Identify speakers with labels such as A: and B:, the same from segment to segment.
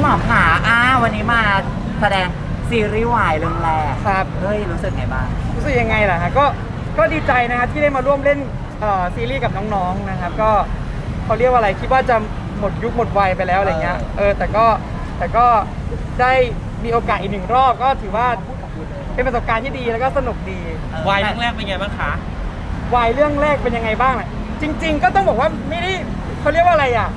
A: มอขาวันนี้มาแสดงซีรีส์วายเรื่องแรก
B: ครับ
A: เฮ้ยรู้สึกไงบ้าง
B: รู้สึกยังไงล่ะฮะก็ดีใจนะครับที่ได้มาร่วมเล่นซีรีส์กับน้องๆนะครับก็เขาเรียกว่าอะไรคิดว่าจะหมดยุคหมดวัยไปแล้วอะไรเงี้ยแต่ก็ได้มีโอกาสอีกหนึ่งรอบก็ถือว่าเป็นประสบการณ์ที่ดีแล้วก็สนุกดี
C: วายเรื่องแรกเป็นไงบ้างคะ
B: วายเรื่องแรกเป็นยังไงบ้างจริงๆก็ต้องบอกว่าไม่ได้เขาเรียกว่าอะไรอ่ะ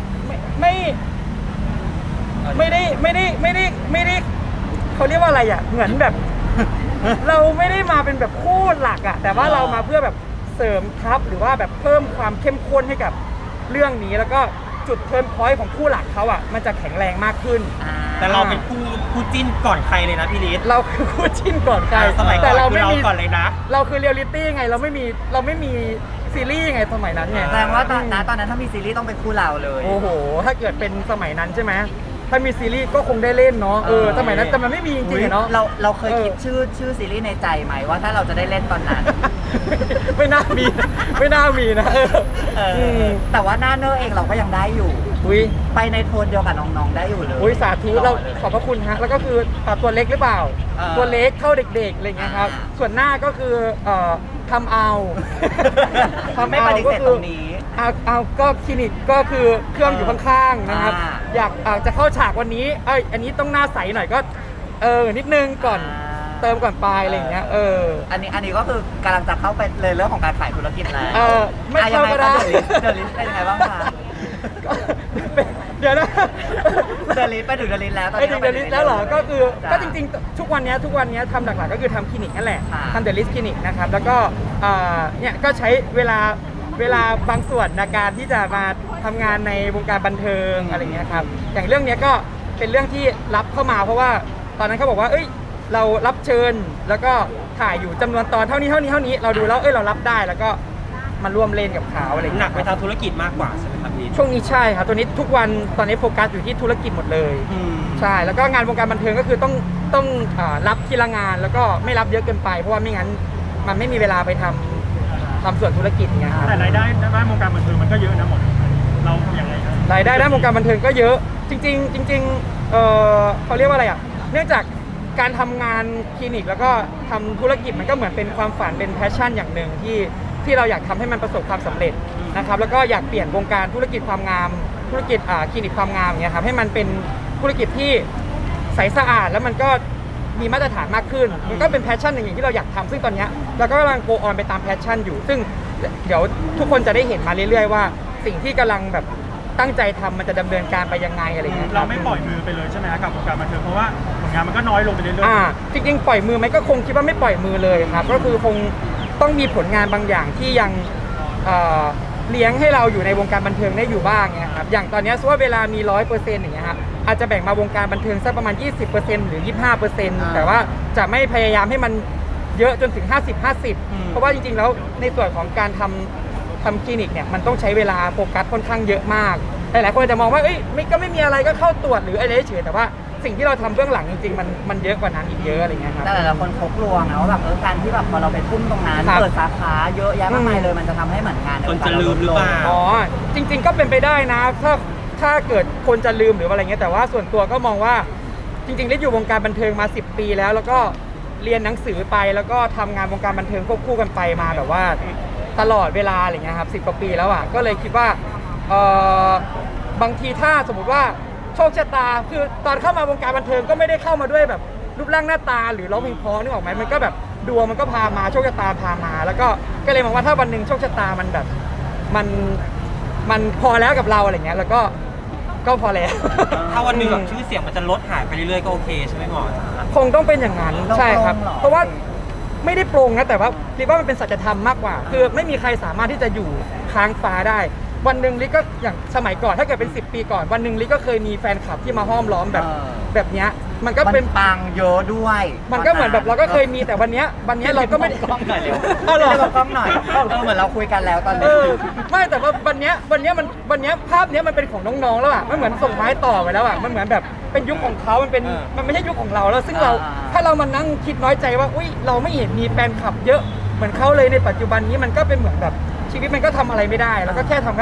B: ไม่ได้เขาเรียกว่าอะไรอ่ะเหมือนแบบ เราไม่ได้มาเป็นแบบคู่หลักอ่ะแต่ว่าเรามาเพื่อแบบเสริมทัพหรือว่าแบบเพิ่มความเข้มข้นให้กับเรื่องนี้แล้วก็จุดเทิร์นพอยต์ของคู่หลักเขาอ่ะมันจะแข็งแรงมากขึ้น
C: แต่เราเป็นคู่จิ้นก่อนใครเลยนะพี่ลิศ
B: เราคือคู่จิ้นก่อนใคร
C: สมัยก่อน
B: แต่เรา
C: ไม่มีก่อนเลยนะ
B: เราคือเรียลลิตี้ไงเราไม่มีซีรีส์ไงสมัยนั้นไง
A: แสดงว่าตอนนั้นถ้ามีซีรีส์ต้องเป็นคู่เราเลย
B: โอ้โหถ้าเกิดเป็นสมัยนั้นใช่ไหมถ้ามีซีรีส์ก็คงได้เล่นเนาะสมัยนั้นแต่มันไม่มีจริงๆเนาะ
A: เราเคยคิดชื่อซีรีส์ในใจไหมว่าถ้าเราจะได้เล่นตอนนั้น
B: ไม่น่ามีนะ
A: แต่ว่าหน้าเนอร์เองเราก็ยังได้อยู่ไปในโทนเดียวกับน้องๆได้อยู่เลย
B: สาธุเราขอบพระคุณฮะแล้วก็คือตัวเล็กหรือเปล่าตัวเล็กเท่าเด็กๆอะไรเงี้ยครับส่วนหน้าก็คือทำเอา
A: ไม่ปฏิเสธตรงนี้
B: เอาก็คลินิกก็คือเครื่องอยู่ข้างๆนะครับอยากจะเข้าฉากวันนี้อันนี้ต้องหน้าใสหน่อยก็นิดนึงก่อนเติมก่อนปลายอะไรอย่างเงี้ย
A: อันนี้ก็คือกำลังจะเข้าไปเลยเรื่องของการขายธุรกิจแล้ว
B: ไม่เข้าก็ได้
A: เดลิสเป็นยังไงบ้างคะ
B: เดี๋ยวนะ
A: เดลิสไปถึงเดลิสแล้วตอน
B: นี้ถึงเดลิสแล้วเหรอก็คือก็จริงๆทุกวันนี้ทำหลักๆก็คือทำคลินิกนั่นแหละทำเดลิสคลินิกนะครับแล้วก็เนี่ยก็ใช้เวลาบางส่วนในการที่จะมาทำงานในวงการบันเทิงอะไรเงี้ยครับอย่างเรื่องนี้ก็เป็นเรื่องที่รับเข้ามาเพราะว่าตอนนั้นเขาบอกว่าเรารับเชิญแล้วก็ถ่ายอยู่จำนวนตอนเท่านี้เราดูแล้วเรารับได้แล้วก็มาร่วมเล่นกับเขาอะไร
C: หนักไปทางธุรกิจมากกว่าใช่ไหมครับพี่
B: ช่วงนี้ใช่ครับตัวนี้ทุกวันตอนนี้โฟกัสอยู่ที่ธุรกิจหมดเลยใช่แล้วก็งานวงการบันเทิงก็คือต้องรับทีละงานแล้วก็ไม่รับเยอะเกินไปเพราะว่าไม่งั้นมันไม่มีเวลาไปทำส่วนธุรกิจเงี้ยครับ
D: แต่รายได้ด้านวงการบันเทิงมันก็เยอะนะหมดเราอย่างไรครับ
B: รายได้ด้านวงการบันเทิงก็เยอะจริงเขาเรียกว่าอะไรอ่ะเนื่องจากการทำงานคลินิกแล้วก็ทำธุรกิจมันก็เหมือนเป็นความฝันเป็นแพชชั่นอย่างหนึ่งที่เราอยากทำให้มันประสบความสำเร็จนะครับแล้วก็อยากเปลี่ยนวงการธุรกิจความงามธุรกิจคลินิกความงามอย่างเงี้ยครับให้มันเป็นธุรกิจที่ใสสะอาดแล้วมันก็มีมาตรฐานมากขึ้นมันก็เป็นแพชชั่นอย่างที่เราอยากทำซึ่งตอนนี้เราก็กำลังโกออนไปตามแพชชั่นอยู่ซึ่งเดี๋ยวทุกคนจะได้เห็นมาเรื่อยๆว่าสิ่งที่กำลังแบบตั้งใจทำมันจะดำเนินการไปยังไงอะไรเงี้ย
D: เราไม่ปล่อยมือไปเลยใช่ไหมกับวงการบันเทิงเพราะว่าผลงานมันก็น้อยลงไปเรื่อย
B: ๆจริงๆปล่อยมือไหมก็คงคิดว่าไม่ปล่อยมือเลยครับก็คือคงต้องมีผลงานบางอย่างที่ยังเลี้ยงให้เราอยู่ในวงการบันเทิงได้อยู่บ้างเนี่ยครับอย่างตอนนี้สมมุติว่าเวลามี 100% อย่างเงี้ยครับอาจจะแบ่งมาวงการบันเทิงสักประมาณ 20% หรือ 25%แต่ว่าจะไม่พยายามให้มันเยอะจนถึง 50-50 เพราะว่าจริงๆแล้วในส่วนของการทำคลินิกเนี่ยมันต้องใช้เวลาโฟกัสค่อนข้างเยอะมากหลายๆคนจะมองว่าก็ไม่มีอะไรก็เข้าตรวจหรืออะไรเฉยแต่ว่าสิ่งที่เราทำเบื้องหลังจริงๆมันเยอะกว่านั้นอีกเยอะอะไรเงี้ยครับ
A: แต่หลายคนเขากลัวนะว่าแบบการที่แบบพอเราไปทุ่มตรงนั้นเปิดสาขาเยอะแยะมากมายเลยมันจะทำให้เหมือนงาน
C: คนจะลืมหรือเปล่า
B: จริงๆก็เป็นไปได้นะถ้าเกิดคนจะลืมหรืออะไรเงี้ยแต่ว่าส่วนตัวก็มองว่าจริงๆได้อยู่วงการบันเทิงมา10 ปีแล้วก็เรียนหนังสือไปแล้วก็ทำงานวงการบันเทิงควบคู่กันไปมาแบบว่าตลอดเวลาอะไรเงี้ยครับ10 กว่าปีแล้วอ่ะก็เลยคิดว่าบางทีถ้าสมมุติว่าโชคชะตาคือตอนเข้ามาวงการบันเทิงก็ไม่ได้เข้ามาด้วยแบบรูปร่างหน้าตาหรือร้องเพลงเพราะนึกออกไหมมันก็แบบดวงมันก็พามาโชคชะตาพามาแล้วก็เลยมองว่าถ้าวันหนึ่งโชคชะตามันแบบมันพอแล้วกับเราอะไรเงี้ยแล้วก็พอแล้ว
C: ถ้าวันหนึ่งแบบชื่อเสียงมันจะลดหายไปเรื่อยๆก็โอเคใช่ไหมหมอ
B: คงต้องเป็นอย่างนั้นใช่ครับเพราะว่าไม่ได้โปร่งนะแต่ว่าคิดว่ามันเป็นสัจธรรมมากกว่าคือไม่มีใครสามารถที่จะอยู่ค้างฟ้าได้วันหนึ่งลิก็อย่างสมัยก่อนถ้าเกิดเป็น10 ปีก่อนวันหนึ่งลิก็เคยมีแฟนคลับที่มาห้อมล้อมแบบเนี้ยมันก็เป็น
A: ปังเยอะด้วย
B: มันก็เหมือนแบบเราก็เคยมีแต่วันเนี้ยเราก็ไม่ได้
A: กล้องหน่อยเร็วเหรอกล้องหน่อยเหมือนเราคุยกันแล้วตอนนี้
B: ไม่แต่ว่าวันเนี้ยภาพเนี้ยมันเป็นของน้องๆแล้วอ่ะมันเหมือนส่งไม้ต่อไปแล้วอ่ะมันเหมือนแบบเป็นยุคของเขามันไม่ใช่ยุคของเราแล้วซึ่งเราถ้าเรามานั่งคิดน้อยใจว่าอุ้ยเราไม่เห็นมีแฟนคลับเยอะเหมือนเขาเลยในปัจจุบันนี้มันก็เป็นเหมือนแบบชีวิตมันก็ทำอะไรไม่ได้แล้วก็แค่ทำก็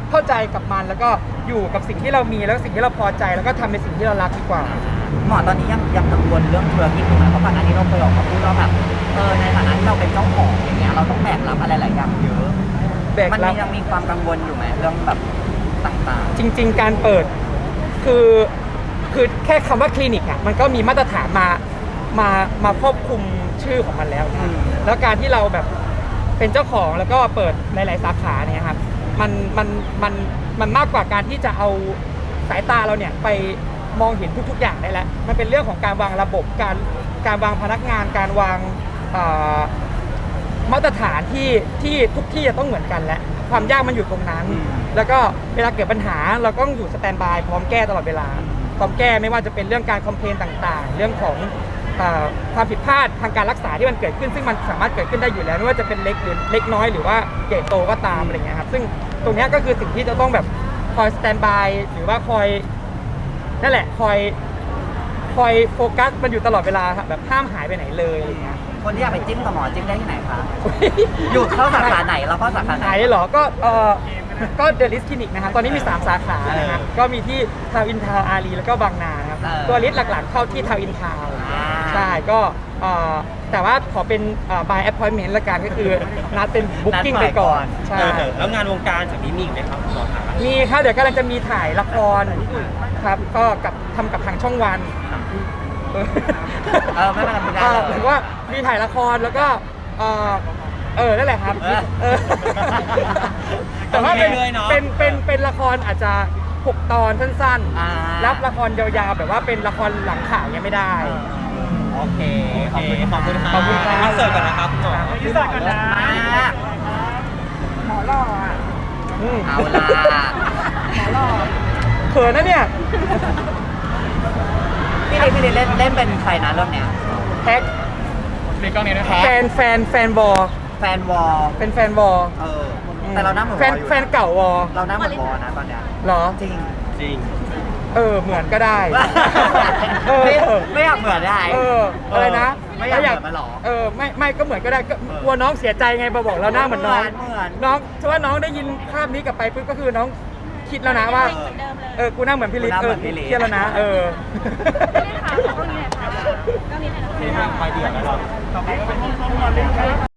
B: เข้าใจกับมันแล้วก็อยู่กับสิ่งที่เรามีแล้วสิ่งที่เราพอใจแล้วก็ทำในสิ่งที่เรารักดีกว่า
A: หมอตอนนี้ยังกังวลเรื่องธุรกิจอยู่ไหมเพราะก่อนหน้านี้เราเคยออกมาพูดว่าแบบในฐานะที่เราเป็นเจ้าของอย่างเงี้ยเราต้องแบกรับอะไรหลายอย่างเยอะ
B: แบก
A: มัน
B: รับ
A: ยังมีความกังวลอยู่ไหมเรื่องแบบต่าง
B: จริง ๆ การเปิดคือแค่คำว่าคลินิกอ่ะมันก็มีมาตรฐานมาควบคุมชื่อของมันแล้วนะแล้วการที่เราแบบเป็นเจ้าของแล้วก็เปิดหลายๆสาขาเนี่ยครับมันมากกว่าการที่จะเอาสายตาเราเนี่ยไปมองเห็นทุกๆอย่างได้แล้วมันเป็นเรื่องของการวางระบบการวางพนักงานการวางมาตรฐานที่ทุกที่จะต้องเหมือนกันและความยากมันอยู่ตรงนั้น แล้วก็เวลาเกิดปัญหาเราก็ต้องอยู่สแตนด์บายพร้อมแก้ตลอดเวลาพร้อมแก้ไม่ว่าจะเป็นเรื่องการคอมเพลนต่างๆ เรื่องของความผิดพลาดทางการรักษาที่มันเกิดขึ้นซึ่งมันสามารถเกิดขึ้นได้อยู่แล้วไม่ว่าจะเป็นเล็กหรือเล็กน้อยหรือว่าใหญ่โตก็ตามอะไรเงี้ยครับซึ่งตรงนี้ก็คือสิ่งที่จะต้องแบบคอยสแตนด์บายหรือว่าคอยนั่นแหละคอยโฟกัสมันอยู่ตลอดเวลาครับแบบห้ามหายไปไหนเลยอะไรเงี้ย
A: ๆคนที่อยากไปจิ้มกับหมอจิ้มได้ที่ไหนคะอยู่เข้าสาขาไหนเราเข้าสาขาไหน
B: หายเหรอก็เดอะลิสคลินิกนะครับตอนนี้มี3สาขานะครับก็มีที่ทาวน์อินทาวน์อารีแล้วก็บางนาครับตัวลิสหลักๆเข้าที่ทาวน์อินทาวน์ใช่ก็แต่ว่าขอเป็นby appointment ละกันก็คือนัดเป็น booking ไปก่อนใช่
C: แล้วงานวงการจากนี้มีอีกไหมครับหมอคะ
B: มีครับเดี๋ยวกำลังจะมีถ่ายละครครับก็ทำกับทางช่องวัน
A: ไม่เป็นไรไม่ได้เลย
B: หรือว่ามีถ่ายละครแล้วก็นั่นแหละครับแต่ว่าเป็นละครอาจจะ6 ตอนสั้นๆรับละครยาวๆแบบว่าเป็นละครหลังข่าวยังไม่ได้
C: โอเคขอบคุณครับ
B: ขอบคุณครับ
C: อินเสิร์ตก่อนนะครับคุณหมอ
D: ที่สั่งกันนะ
A: หมอหล่อเอาล่ะหมอหล่อ
B: เขินนะเนี่ย
A: พี่ลิเล่นเป็นใครนะเรื่องเนี้ย
B: แท็ก
D: ในกล้องนี้นะ
A: แท็ก
B: แฟนวอล
A: แฟนวอล
B: เป็นแฟนวอล
A: แต่เราหน้าเหมือนวอลอยู่
B: แฟนเก่าวอล
A: เราหน้าเหมือนวอลนะตอนเนี้ย
B: เหรอ
A: จริง
C: จริง
B: เหมือนก็ได้
A: ไม่อยากเหมือนได้
B: อะไรนะ
A: ไม่อยากเหมือนมันหรอ
B: ไม่ก็เหมืก็ได้ก็กลัวน้องเสียใจไงมาบอกเราหน้าเหมือนน้อง
A: เหมือน
B: น้องเพราะว่าน้องได้ยินภาพนี้กลับไปปุ๊บก็คือน้องคิดแล้วนะว่ากูหน้าเหมือนพี่ลิศ
A: กูหน้าเหมือนพี่ลิศ
B: เครียดแล้วนะ
C: ที่ทางไฟเดียวแล้วเรา
D: ต่อไปก็เป็นห้องนอนเล่นครับ